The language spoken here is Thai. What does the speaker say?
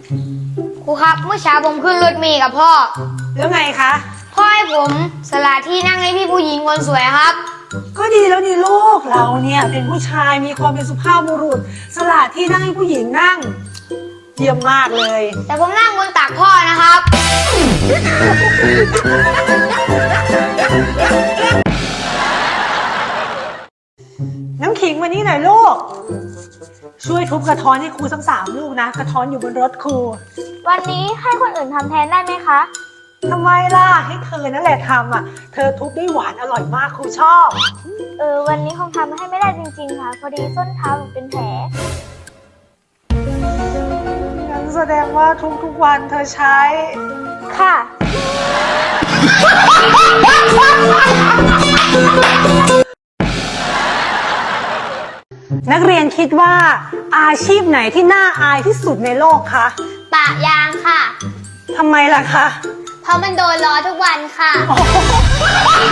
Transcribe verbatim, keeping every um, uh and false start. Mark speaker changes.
Speaker 1: ครูครับเมื่อเช้าผมขึ้นรถเมล์กับพ่อ
Speaker 2: แล้วไงคะ
Speaker 1: พ่อให้ผมสละที่นั่งให้พี่ผู้หญิงคนสวยครับ
Speaker 2: ก็ดีแล้วนี่ลูกเราเนี่ยเป็นผู้ชายมีความเป็นสุภาพบุรุษสละที่นั่งให้ผู้หญิงนั่งเยี่ยมมากเลย
Speaker 1: แต่ผมนั่งบนตักพ่อนะครับ
Speaker 2: น้ำขิงมานี่หน่อยลูกช่วยทุบกระท้อนให้ครูสักสามลูกนะกระท้อนอยู่บนรถครู
Speaker 3: วันนี้ให้คนอื่นทำแทนได้ไหมคะ
Speaker 2: ทำไมล่ะให้เธอนั่นแหละทำอ่ะเธอทุบได้หวานอร่อยมากครูชอบ
Speaker 3: เออวันนี้คงทำให้ไม่ได้จริงๆค่ะ พอดีส้นเท้าหนูเป็นแผล
Speaker 2: งั้นแสดงว่าทุกๆวันเธอใช้
Speaker 3: ค่ะ
Speaker 2: นักเรียนคิดว่าอาชีพไหนที่น่าอายที่สุดในโลกคะ
Speaker 1: ปะยางค่ะ
Speaker 2: ทำไมล่ะคะ
Speaker 1: เพราะมันโดนล้อทุกวันค่ะ
Speaker 2: โอ้โห